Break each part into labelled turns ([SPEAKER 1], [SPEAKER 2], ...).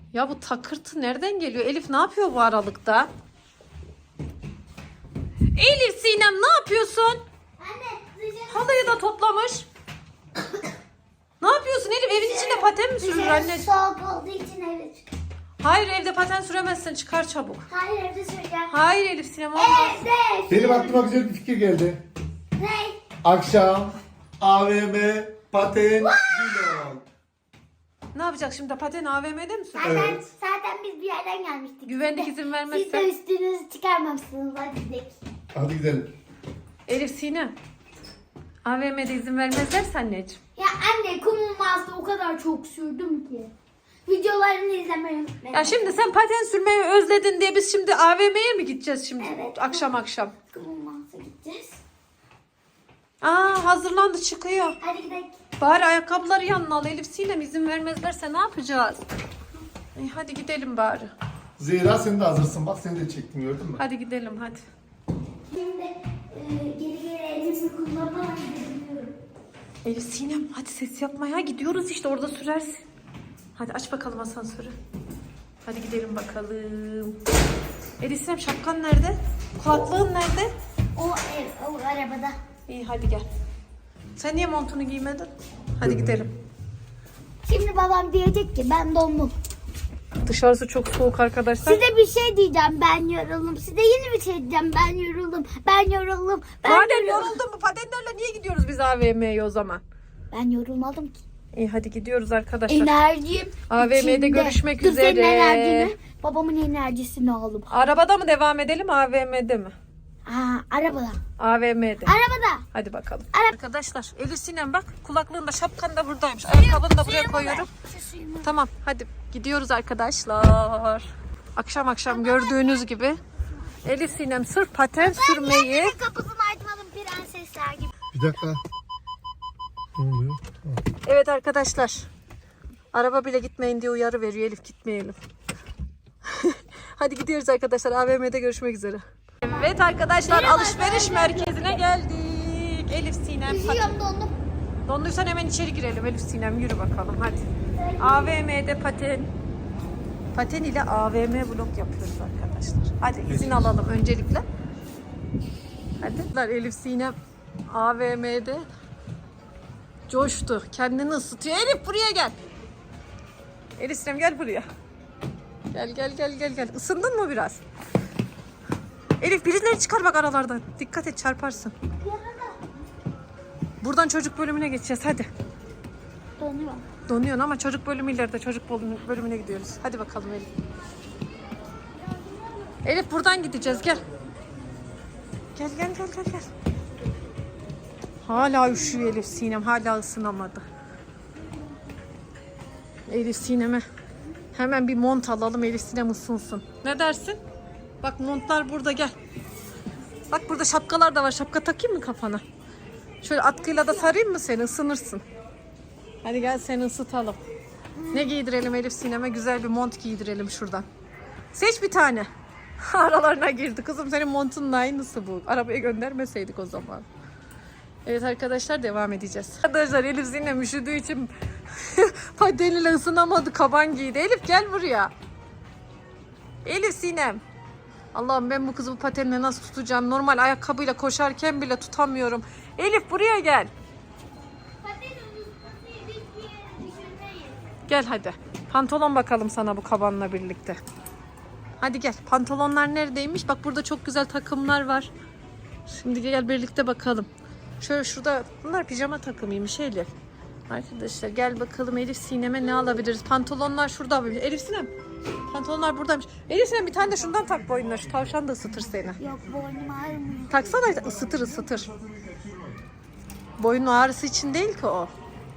[SPEAKER 1] Ya bu takırtı nereden geliyor? Elif ne yapıyor bu aralıkta? Elif Sinem ne yapıyorsun?
[SPEAKER 2] Anne dışarı.
[SPEAKER 1] Halıyı da toplamış. Ne yapıyorsun Elif? Evin içinde paten mi sürülür anne?
[SPEAKER 2] Soğuk olduğu için eve çık.
[SPEAKER 1] Hayır evde paten süremezsin. Çıkar çabuk.
[SPEAKER 2] Hayır evde süreceğim.
[SPEAKER 1] Hayır Elif Sinem olmaz.
[SPEAKER 2] Evde.
[SPEAKER 3] Benim aklıma güzel bir fikir geldi.
[SPEAKER 2] Ne?
[SPEAKER 3] Akşam AVM paten vlog.
[SPEAKER 1] Ne yapacak şimdi? Paten AVM'de mi sürüyor?
[SPEAKER 3] Evet.
[SPEAKER 2] Zaten biz bir yerden gelmiştik.
[SPEAKER 1] Güvenlik izin
[SPEAKER 2] Siz de
[SPEAKER 1] vermezse.
[SPEAKER 2] üstünüzü çıkarmamışsınız. Hadi gidelim.
[SPEAKER 3] Hadi gidelim.
[SPEAKER 1] Elif Sinem. AVM'de izin vermezlerse anneciğim.
[SPEAKER 2] Ya anne kumum mağazada o kadar çok sürdüm ki. Videolarını izlemeyi unutmayın.
[SPEAKER 1] Ya şimdi sen paten sürmeyi özledin diye biz şimdi AVM'ye mi gideceğiz şimdi?
[SPEAKER 2] Evet.
[SPEAKER 1] Akşam.
[SPEAKER 2] Kumum mağazaya gideceğiz.
[SPEAKER 1] Aa hazırlandı çıkıyor.
[SPEAKER 2] Hadi gidelim.
[SPEAKER 1] Bari ayakkabıları yanına al Elif Sinem izin vermezlerse ne yapacağız? Hadi gidelim bari.
[SPEAKER 3] Zehra sen de hazırsın. Bak seni de çektim gördün mü?
[SPEAKER 1] Hadi gidelim hadi.
[SPEAKER 2] Şimdi geri elimizi kullanmadan gidebiliyorum.
[SPEAKER 1] Elif Sinem hadi ses yapma ya gidiyoruz işte orada sürersin. Hadi aç bakalım asansörü. Hadi gidelim bakalım. Elif Sinem şapkan nerede? Kulaklığın nerede?
[SPEAKER 2] O arabada.
[SPEAKER 1] İyi hadi gel. Sen niye montunu giymedin? Hadi gidelim.
[SPEAKER 2] Şimdi babam diyecek ki ben dondum.
[SPEAKER 1] Dışarısı çok soğuk arkadaşlar.
[SPEAKER 2] Size bir şey diyeceğim, ben yoruldum. Size yeni bir şey diyeceğim, ben yoruldum. Ben yoruldum.
[SPEAKER 1] Madem yoruldun bu patenlerle niye gidiyoruz biz AVM'ye o zaman?
[SPEAKER 2] Ben yorulmadım ki.
[SPEAKER 1] İyi hadi gidiyoruz arkadaşlar.
[SPEAKER 2] Enerjim
[SPEAKER 1] AVM'de
[SPEAKER 2] içinde.
[SPEAKER 1] görüşmek
[SPEAKER 2] Dur,
[SPEAKER 1] üzere.
[SPEAKER 2] senin enerjini, babamın enerjisini aldım.
[SPEAKER 1] Arabada mı devam edelim AVM'de mi?
[SPEAKER 2] Arabada.
[SPEAKER 1] AVM'de.
[SPEAKER 2] Arabada.
[SPEAKER 1] Hadi bakalım.
[SPEAKER 2] Ara-
[SPEAKER 1] Arkadaşlar Elif Sinem bak kulaklığın da şapkan da buradaymış. Ayakkabını da buraya koyuyorum.
[SPEAKER 2] Şu suyumu.
[SPEAKER 1] Tamam hadi gidiyoruz arkadaşlar. Akşam gördüğünüz gibi Elif Sinem sırf paten sürmeyi.
[SPEAKER 2] Niye kapısını açmadım prensesler gibi?
[SPEAKER 3] Bir dakika. Ne oluyor?
[SPEAKER 1] Evet arkadaşlar. Araba bile gitmeyin diye uyarı veriyor Elif gitmeyelim. Hadi gidiyoruz arkadaşlar AVM'de görüşmek üzere. Evet arkadaşlar alışveriş merkezine geldik. Elif Sinem paten.
[SPEAKER 2] Üşüyorum, dondum.
[SPEAKER 1] Donduysan hemen içeri girelim Elif Sinem yürü bakalım hadi. AVM'de paten ile AVM vlog yapıyoruz arkadaşlar. Hadi izin alalım öncelikle. Hadi. Elif Sinem AVM'de coştu. Kendini ısıtıyor. Elif buraya gel. Elif Sinem gel buraya. Gel. Isındın mı biraz? Elif birileri çıkar bak aralardan. Dikkat et çarparsın. Buradan çocuk bölümüne geçeceğiz hadi.
[SPEAKER 2] Donuyorum.
[SPEAKER 1] Donuyorsun ama çocuk bölümü ileride çocuk bölümüne gidiyoruz. Hadi bakalım Elif. Elif buradan gideceğiz gel. Gel. Hala üşüyor Elif Sinem hala ısınamadı. Elif Sinem'e hemen bir mont alalım Elif Sinem ısınsın. Ne dersin? Bak montlar burada gel. Bak burada şapkalar da var. Şapka takayım mı kafana? Şöyle atkıyla da sarayım mı seni ısınırsın. Hadi gel seni ısıtalım. Ne giydirelim Elif Sinem'e? Güzel bir mont giydirelim şuradan. Seç bir tane. Aralarına girdi. Kızım senin montunun aynısı bu. Arabaya göndermeseydik o zaman. Evet arkadaşlar devam edeceğiz. Arkadaşlar Elif Sinem üşüdüğü için pateniyle ısınamadı. Kaban giydi. Elif gel buraya. Elif Sinem. Allah'ım ben bu kızı bu patenle nasıl tutacağım? Normal ayakkabıyla koşarken bile tutamıyorum. Elif buraya gel. Gel hadi. Pantolon bakalım sana bu kabanla birlikte. Hadi gel. Pantolonlar neredeymiş? Bak burada çok güzel takımlar var. Şimdi gel birlikte bakalım. Şöyle şurada bunlar pijama takımıymış Elif. Arkadaşlar gel bakalım Elif Sinem'e ne alabiliriz? Pantolonlar şurada. Elif Sinem pantolonlar buradaymış. Elif Sinem bir tane de şundan tak boynuna. Şu tavşan da ısıtır seni.
[SPEAKER 2] Yok, boynum ağrımıyor.
[SPEAKER 1] Taksana ısıtır. Boyun ağrısı için değil ki o.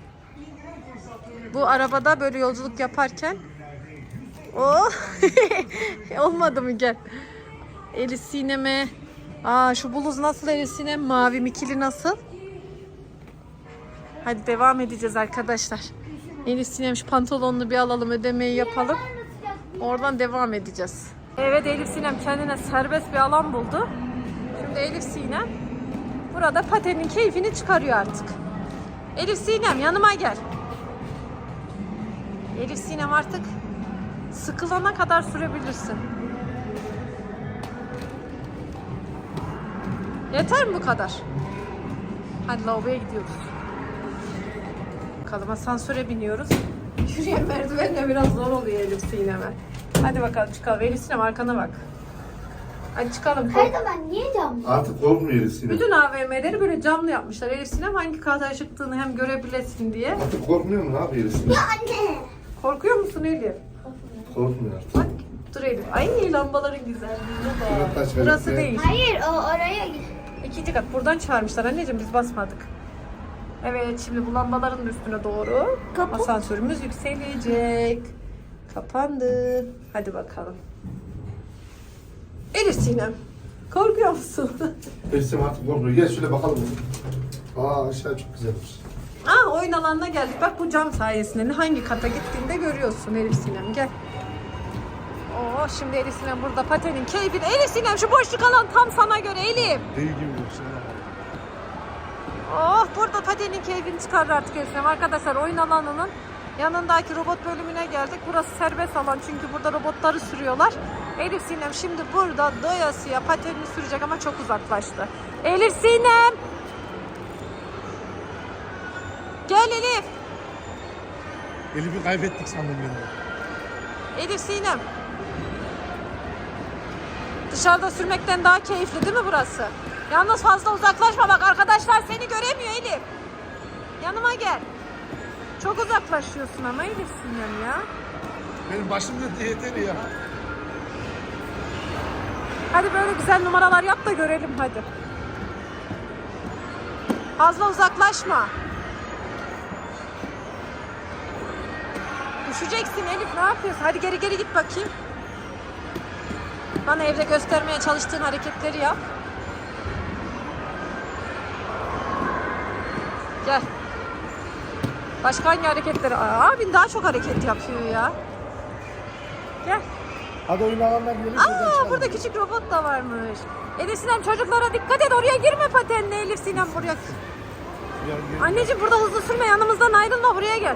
[SPEAKER 1] Bu arabada böyle yolculuk yaparken olmadı mı gel. Elif Sinem'e şu bluz nasıl Elif Sinem? Mavi mikili nasıl? Hadi devam edeceğiz arkadaşlar. Elif Sinem şu pantolonunu bir alalım ödemeyi yapalım. Oradan devam edeceğiz. Evet Elif Sinem kendine serbest bir alan buldu. Şimdi Elif Sinem burada patenin keyfini çıkarıyor artık. Elif Sinem yanıma gel. Elif Sinem artık Sıkılana kadar sürebilirsin. Yeter mi bu kadar? Hadi lavaboya gidiyoruz. Bakalım asansöre biniyoruz. Yürüyen merdivenle biraz zor oluyor Elif Sinem'e. Hadi bakalım çıkalım. Elif Sinem arkana bak. Hadi çıkalım.
[SPEAKER 2] Her zaman niye camlı?
[SPEAKER 3] Artık korkmuyor Elif Sinem.
[SPEAKER 1] Bütün AVM'leri böyle camlı yapmışlar. Elif Sinem hangi kata çıktığını hem görebilesin diye.
[SPEAKER 3] Artık korkmuyor mu? Ne yapıyor Elif Sinem?
[SPEAKER 2] Ya anne.
[SPEAKER 1] Korkuyor musun Elif?
[SPEAKER 3] Korkmuyor artık.
[SPEAKER 1] Bak dur Elif. Ay lambaların güzelliğine bak.
[SPEAKER 3] Şuna taş ver,
[SPEAKER 1] Burası
[SPEAKER 3] ver.
[SPEAKER 1] değil.
[SPEAKER 2] Hayır o oraya git.
[SPEAKER 1] 2. kat. Buradan çağırmışlar anneciğim, biz basmadık. Evet, şimdi bu lambaların üstüne doğru
[SPEAKER 2] Kapat.
[SPEAKER 1] asansörümüz yükselecek. Kapandı. Hadi bakalım. Elif Sinem, korkuyor musun?
[SPEAKER 3] Elif Sinem artık korkmuyor. Gel şöyle bakalım. Aa aşağı çok güzelmiş.
[SPEAKER 1] Oyun alanına geldik. Bak bu cam sayesinde hangi kata gittiğinde görüyorsun Elif Sinem. Gel. Şimdi Elif Sinem burada patenin keyfini. Elif Sinem şu boşluk alan tam sana göre Elif.
[SPEAKER 3] Deli gibi yoksa.
[SPEAKER 1] Burada patenin keyfini çıkarır artık Elif Sinem. Arkadaşlar oyun alanının yanındaki robot bölümüne geldik. Burası serbest alan çünkü burada robotları sürüyorlar. Elif Sinem şimdi burada doyasıya patenini sürecek ama çok uzaklaştı. Elif Sinem! Gel Elif!
[SPEAKER 3] Elif'i kaybettik sandım ben de.
[SPEAKER 1] Elif Sinem! Dışarıda sürmekten daha keyifli değil mi burası? Yalnız fazla uzaklaşma bak, arkadaşlar seni göremiyor Elif. Yanıma gel. Çok uzaklaşıyorsun ama Elif Sinem ya.
[SPEAKER 3] Benim başım döndü yeter ya.
[SPEAKER 1] Hadi böyle güzel numaralar yap da görelim hadi. Fazla uzaklaşma. Düşeceksin Elif, ne yapıyorsun? Hadi geri geri git bakayım. Bana evde göstermeye çalıştığın hareketleri yap. Gel. Başka hangi hareketleri? Abin daha çok hareket yapıyor ya. Gel.
[SPEAKER 3] Hadi oyun alanına gidelim.
[SPEAKER 1] Burada küçük robot da varmış. Elif Sinem çocuklara dikkat et, oraya girme patenle Elif Sinem buraya. Anneciğim burada hızlı sürme, yanımızdan ayrılma, buraya gel.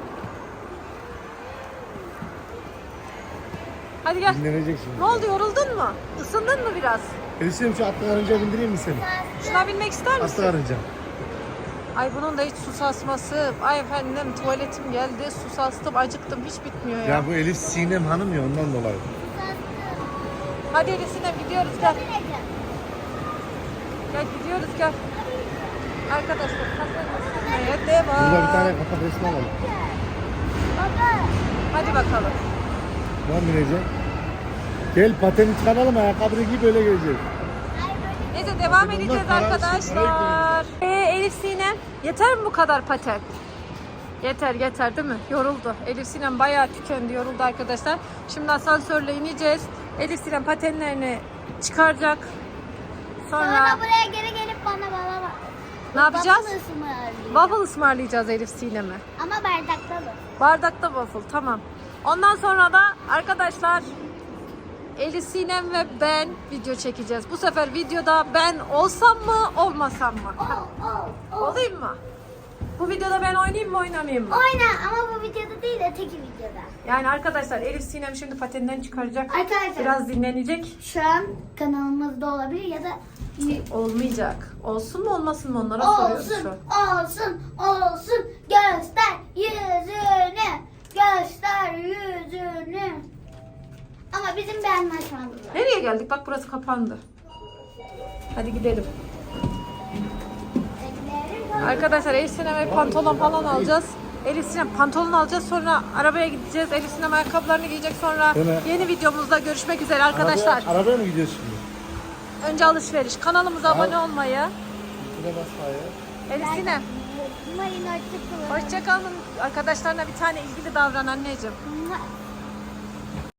[SPEAKER 1] Hadi gel.
[SPEAKER 3] Dinlenecek şimdi.
[SPEAKER 1] Ne oldu, yoruldun mu? Isındın mı biraz?
[SPEAKER 3] Elif Sinem şu atlı karınca bindireyim mi seni?
[SPEAKER 1] Şuna binmek ister misin?
[SPEAKER 3] Atlı karınca.
[SPEAKER 1] Ay bunun da hiç su sasması. Ay efendim tuvaletim geldi, su sastım, acıktım, hiç bitmiyor ya.
[SPEAKER 3] Ya bu Elif Sinem hanım ya ondan dolayı.
[SPEAKER 1] Hadi Elif Sinem gidiyoruz, gel. Gel gidiyoruz, gel. Arkadaşlar patenle devam.
[SPEAKER 3] Burada bir tane kapak resmi alalım.
[SPEAKER 1] Hadi bakalım.
[SPEAKER 3] Ben bineceğim. Gel pateni çıkaralım, ayakkabını giy böyle geleceğiz.
[SPEAKER 1] Neyse devam edeceğiz
[SPEAKER 3] para-
[SPEAKER 1] arkadaşlar. Elif Sinem, yeter mi bu kadar paten? Yeter değil mi? Yoruldu. Elif Sinem bayağı tükendi, yoruldu arkadaşlar. Şimdi asansörle ineceğiz. Elif Sinem patenlerini çıkaracak.
[SPEAKER 2] Sonra buraya geri gelip bana bak.
[SPEAKER 1] Ne yapacağız?
[SPEAKER 2] Waffle ısmarlayacağım.
[SPEAKER 1] Waffle ısmarlayacağız Elif Sinem'e.
[SPEAKER 2] Ama bardakta da.
[SPEAKER 1] Bardakta waffle, tamam. Ondan sonra da arkadaşlar Elif Sinem ve ben video çekeceğiz. Bu sefer videoda ben olsam mı olmasam mı? Olayım mı? Bu videoda ben oynayayım mı oynamayayım mı?
[SPEAKER 2] Oyna ama bu videoda değil de teki videoda.
[SPEAKER 1] Yani arkadaşlar Elif Sinem şimdi pateninden çıkaracak.
[SPEAKER 2] Arkadaşlar
[SPEAKER 1] Biraz dinlenecek.
[SPEAKER 2] şu an kanalımızda olabilir ya da
[SPEAKER 1] Olmayacak. Olsun mu olmasın mı onlara soruyoruz şu an.
[SPEAKER 2] olsun göster yüzünü göster yüzünü. Ama bizim bir anlaşmamız var.
[SPEAKER 1] Nereye geldik? Bak burası kapandı. Hadi gidelim. Arkadaşlar Elif Sinem'e pantolon falan alacağız. Elif Sinem pantolon alacağız, sonra arabaya gideceğiz. Elif Sinem ayakkabılarını giyecek, sonra
[SPEAKER 3] Öyle.
[SPEAKER 1] yeni videomuzda görüşmek üzere arkadaşlar.
[SPEAKER 3] Arabaya mı gidiyoruz şimdi?
[SPEAKER 1] Önce alışveriş. Kanalımıza abone olmayı.
[SPEAKER 3] Şuna bas ayağa.
[SPEAKER 1] Elif Sinem
[SPEAKER 2] Mayın hoşçakalın.
[SPEAKER 1] hoşçakalın. Arkadaşlarına bir tane ilgili davran anneciğim.